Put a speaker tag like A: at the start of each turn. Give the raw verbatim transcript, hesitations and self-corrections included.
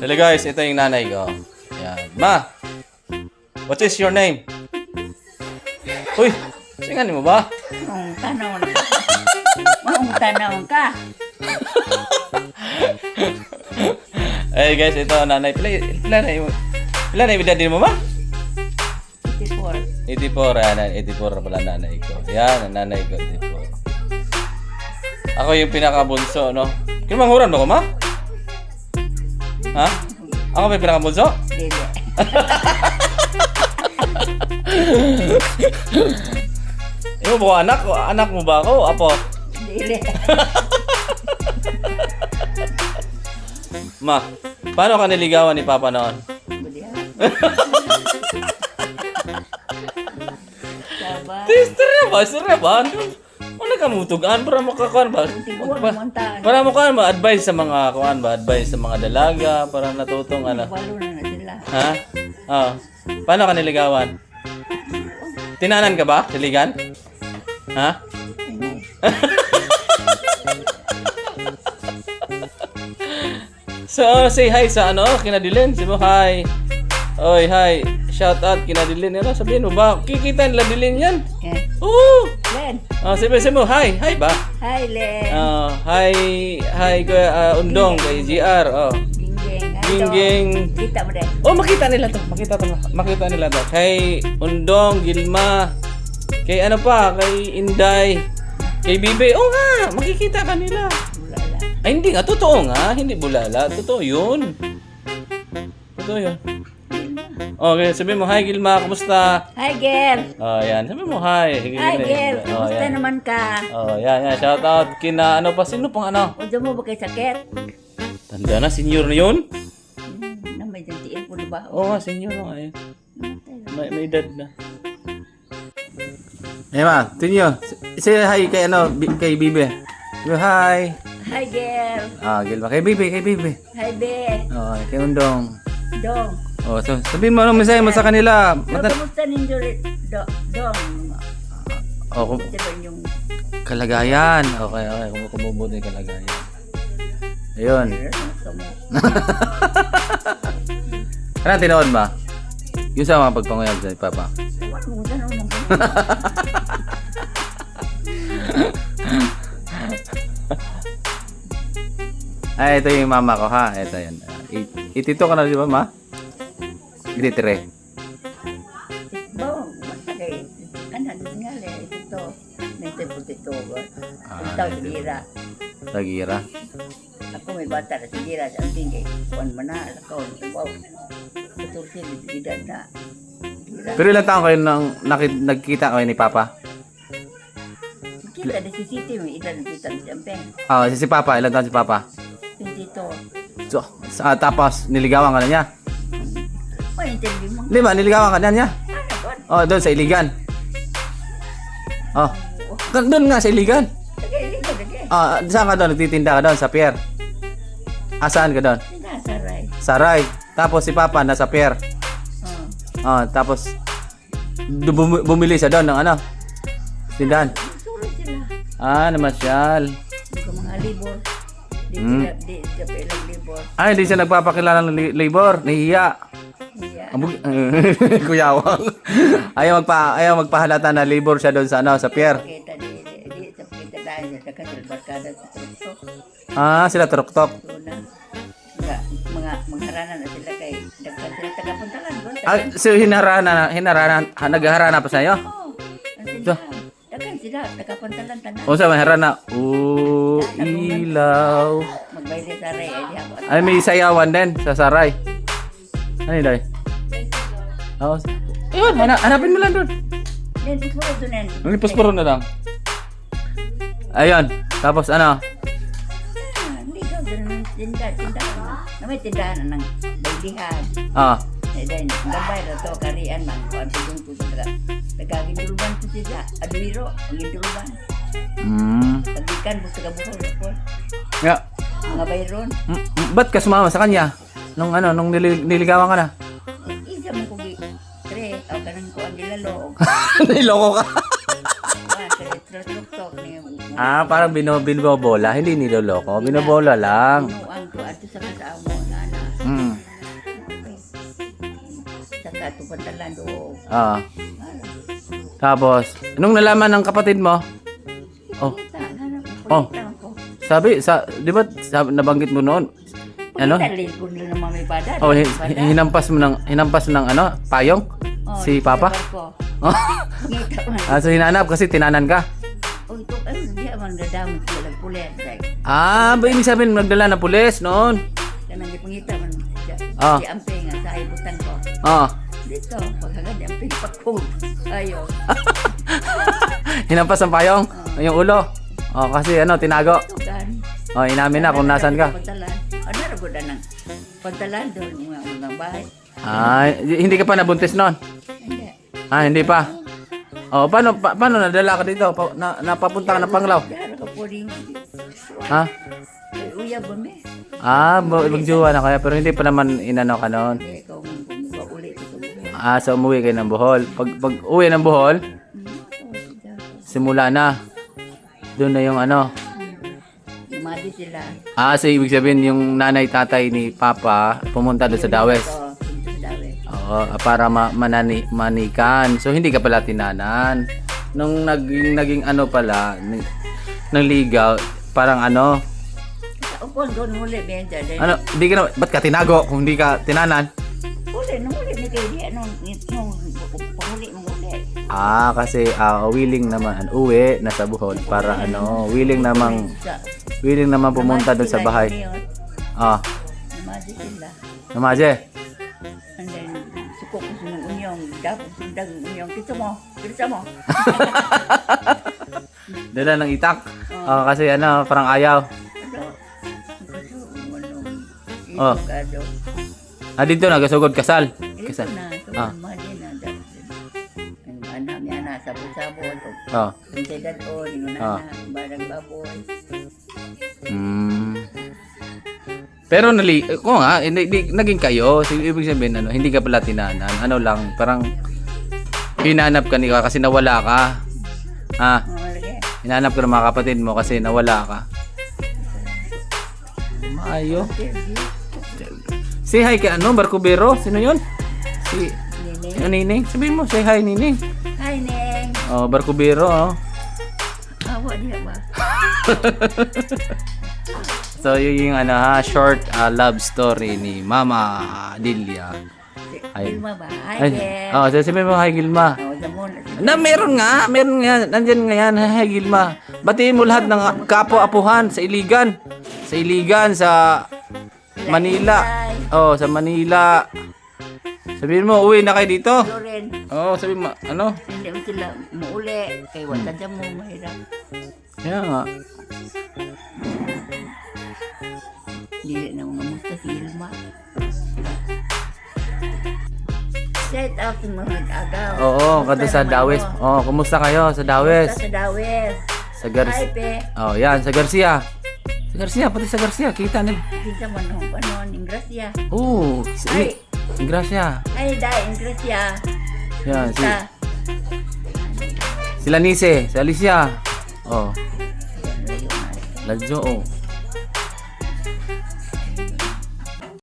A: Hello guys, ito yung nanay ko. Ayan. Ma! What is your name? Uy! Singanin mo ba?
B: Maong tanong ka. Maong tanong ka.
A: Hey guys, ito nanay. Pila, pila na yung... Pila na yung edad din mo ba?
B: eighty-four.
A: eighty-four. Ayan, eighty-four pala nanay ko. Ayan, ang nanay ko, eighty-four. Ako yung pinakabunso, no? Kinamanghuran ba ko, ma? Ha? Ako may pinakabunso?
B: Dili.
A: Ikaw ba ko anak? Anak mo ba ako? Apo?
B: Dili.
A: Ma, paano ka niligawan ni Papa noon?
B: Budiha. Saba.
A: Istorya ba? Istorya ba? Ano ka mutugaan para makakuan ba?
B: Tiguan
A: Pa-
B: montahan.
A: Para mo kuan ba advice sa mga kuan ba? Advice sa mga dalaga para natutong ano?
B: Walo na na sila.
A: Ha? Oh. Paano ka niligawan? Tinanan ka ba? Siligan? Ha? So, say hi sa ano, kinadilin. Sabi mo, hi. Oy, hi. Shout out, kinadilin. Ano, sabihin mo ba? Kikita nila dilin yan.
B: Eh.
A: Oo.
B: Len.
A: Oh, sabi, sabi mo, hi. Hi ba?
B: Hi, Len.
A: Oh, hi. Hi, kuya, uh, Undong, kay G R. Oh.
B: Gingging. Ay,
A: Gingging.
B: dong. Kita mo rin.
A: Oh, makita nila to. Makita to. Makita nila to. Kay Undong, Gilma. Kay ano pa? Kay Inday. Kay Bibe. Oh nga, makikita ka nila.
B: Bulala.
A: Ay, hindi nga. Totoo nga. Hindi bulala. Totoo yun. Totoo yun. Okay, sabi mo, hi Gilma, kumusta?
B: Hi, girl.
A: Oh, yan. Sabi mo, hi.
B: Hi, girl.
A: Oh,
B: Kumusta
A: yan.
B: naman ka?
A: Oh, yan, yan. Shout out. Kina, ano pa, sino pang ano?
B: O, mo ba kay sakit?
A: Tanda na, senior na yun?
B: Hmm, na may jantiin po na ba?
A: Oo nga, senior na nga yun. May, may edad na. Eh ma, tinyo. Say hi kay ano, bi- kay Bibe. Go hi.
B: Hi, girl.
A: Ah, Gilma. Kay Bibe, kay Bibe.
B: Hi, be.
A: Oh, kay Undong.
B: Dong.
A: Oh, so, sabihin mo anong mensahe mo sa kanila.
B: So,
A: Mata-
B: kamusta ninyo rin? Do, dong.
A: oh, kum-
B: Ito ba yung...
A: kalagayan. Okay, okay. Kung kumubuti yung kalagayan. Ayun.
B: Kamu.
A: Ano tinood ba? Yung sa mga pagpanguyab sa Papa.
B: Ano mo sa nung
A: Ay, ito yung mama ko ha. Ito yan. Itito ka na di ba ma? Ititire.
B: Bawang, masakay. Ano, nga le, ito. Nasa putito.
A: Ah,
B: Ito, sigira.
A: Tagira.
B: Ako may bata na sigira. Sa ating kay Juan Manal. Ako, wow. Ito sila, edad na. Sigira.
A: Pero ilang taon kayo nang nakit, nagkita kayo ni Papa?
B: Kita na si Siti, may edad na kita na siyempre.
A: Ah, si, si Papa. Ilang taon si Papa?
B: Pintito.
A: So, sa, tapos niligawan ka na niya?
B: May interview mo.
A: Di ba? Niligawan ka na niya?
B: Ano, God?
A: Oh, doon sa Iligan. Oh. Ka- Doon nga sa Iligan.
B: Lagay, lagay, lagay.
A: Ah, saan ka doon? Nagtitinda ka doon? Sa pier? Ah, saan ka doon?
B: Sinasaray.
A: Saray. Tapos si Papa nasa pier.
B: Oh.
A: Ah, tapos du- bum- bumili siya doon ng ano? Tindahan.
B: Suro sila.
A: Ah, namasyal.
B: Hindi ko mga libor. Di
A: Hmm.
B: sila, di sila pa ilang libor.
A: Ay, hindi siya nagpapakilala ng li- labor. Nahihiya.
B: Iya.
A: Ang bug- Kuyawang. ayaw magpa ayaw magpahalata na labor siya doon sa ano, sa pier.
B: Kita di, di, di, sa kita dahil sa kasil barkada sa tuktok.
A: Ah, sila turok-tok.
B: So na, mga, mga, mangharanan na sila kay, dagkan sila tagapuntalan. Bro,
A: Ah, so hinarana hinarana ha, nagharana pa sa iyo.
B: Oo, ang sila. Dagkan sila, tagapuntalan tanan.
A: O sa harana. Oh, ilaw.
B: Magbayad sa ray, ay di ako.
A: Ay, may sayawan din sa Saray. Ano yun, Day? Oo. Ayun, hana, hanapin mo lang doon.
B: Then, puspuro doon yan.
A: Ang puspuro na lang. Ayun. Tapos ano?
B: Ah, hindi ka, doon ang tindahan, tindahan. Na may tindahan na ng baylihan.
A: Ah.
B: Eh, then, gabay na to, karian man. Kung ano yung puso taga. Nagkagindulban po sila. Aduiro, ang gindulban.
A: Mm.
B: Tagikan, busto ka buko, po.
A: Yeah.
B: Mga bayron.
A: Mm, mm, ba't ka sumama sa kanya? Nung ano, nung nili- niligawan ka na?
B: Eh, isa mo kugi. Tre, aw ka nang kuan nilalog.
A: Niloko ka.
B: Ah, sa retro-tok niya.
A: Ah, parang bino, binobola. Hindi niloloko. Binobola lang.
B: Pinuang ko ato sa kasama na na.
A: Mm.
B: ito pantalan do.
A: Ah. Tapos, nung nalaman ng kapatid mo, oh, Oh.
B: Ko.
A: sabi, sa, di ba, sabi, nabanggit mo noon, ano?
B: Dali ko na naman may bada.
A: Oh,
B: may
A: hi-
B: bada.
A: hinampas mo ng, hinampas ng ano, payong?
B: Oh,
A: Si Papa?
B: sa barko.
A: Oh.
B: Ngita man.
A: Ah, so hinanap kasi tinanan ka?
B: Oh, ito, ay, hindi man dadamot sila nagpulit. Like,
A: Ah, ba ibig sabihin nagdala na pulis noon?
B: kanang ipangita man.
A: Ah.
B: Si Amping nga sa ibutan ko.
A: Oh.
B: Dito, pagkagad yung Amping pakog. Ayaw.
A: Hinampas ang payong? Yung ulo? Oh, kasi ano, tinago.
B: Tugan.
A: Oh, inamin na kung nasan ka.
B: Pagtalan. Ano na ko na ng pagtalan doon mga mga bahay.
A: Ah, hindi ka pa nabuntis noon?
B: Hindi.
A: Ah, hindi pa. Oh, paano pa, paano nadala ka dito? Pa, na, napapunta ka ng Panglao?
B: Dara ka po rin.
A: Ha?
B: Ay, uya ba me?
A: Ah, bo- magjowa na kaya pero hindi pa naman inano ka noon.
B: Hindi, ikaw mong kumuha ulit ito.
A: Ah, so umuwi kayo ng Bohol. Pag pag uwi ng Bohol, simula na. Doon na yung ano.
B: Imadi sila.
A: Ah, so ibig sabihin yung nanay tatay ni Papa pumunta doon sa Dawes.
B: Oo, punta sa Dawes.
A: Oo, para ma- manani manikan. So hindi ka pala tinanan. Nung naging naging ano pala, ng, ng ligaw, parang ano,
B: Upon doon muli, Benja.
A: ano, hindi ka na, ba't ka tinago kung hindi ka tinanan?
B: Uli, nung uli ni kayo, di, anong, nung, pahuli mong uli.
A: Ah, kasi ah, willing naman uwi na sa Bohol para ano, willing namang
B: Sa,
A: willing naman pumunta doon sa bahay. Ah,
B: Imadi sila.
A: namaje.
B: And then, suko ko sa ng unyong, dapat sundag ng unyong, kita mo, kita mo.
A: Dala ng itak. Ah, kasi ano, parang ayaw.
B: Ano? Kasi, ano,
A: Oh.
B: ito ka do.
A: Ah, dito nagasugod kasal.
B: Ito
A: Kasal.
B: na, ito
A: Ah.
B: na, madi na, dapat. Ang anak niya na, sabot-sabot, o,
A: Oh.
B: yung tegad o, yung
A: Ah.
B: anak, barang baboy.
A: Mm. Pero nali, ko nga, hindi, hindi- naging kayo. So, ibig sabihin, ano, hindi ka pala tinanan. Ano lang, parang hinanap ka ni kasi nawala ka. Ah,
B: Mga lagi.
A: hinanap ka ng mga kapatid mo kasi nawala ka. Maayo. Say hi kay ano, Barcubero? Sino yun? Si,
B: Nini.
A: ano, Nining? Sabihin mo, say hi, Nining.
B: Hi, Neng.
A: Oh, Barcubero, oh.
B: Awa niya ba?
A: So, yun yung ano ha, short ah, love story ni Mama Lilia. Ay.
B: Gilma ba? Hi,
A: Ay,
B: Ken.
A: oh, sabihin mo, hi Gilma.
B: Oh, sa muna.
A: Na, meron nga, meron nga, nandyan nga yan, hi Gilma. Batiin mo lahat ng kapwa-apuhan sa Iligan. Sa Iligan, sa Manila. Oh, sa Manila. Sabihin mo, uwi na kayo dito.
B: Loren,
A: Oh, sabihin mo, ano?
B: hindi mo sila muuli. Kay watan siya mo mahirap.
A: Kaya nga.
B: Hindi na mga musta si Ilma. Shout out sa mga nag-agaw.
A: Oo, kada sa Dawes. Oh, kumusta kayo sa Dawes?
B: Sa Dawes.
A: Sa Gar
B: Hi, pe.
A: Oh, yan, sa Garcia. Sa Garcia, pati sa Garcia, kita nila.
B: Kinsa man ho, ano, Ingracia.
A: Oo, si
B: Ay.
A: Gracia.
B: Ay, dai, Ingracia.
A: Yan, si,
B: Sa,
A: sila Nise, si Alicia. Oh,
B: layo na.
A: Ladjo, oh.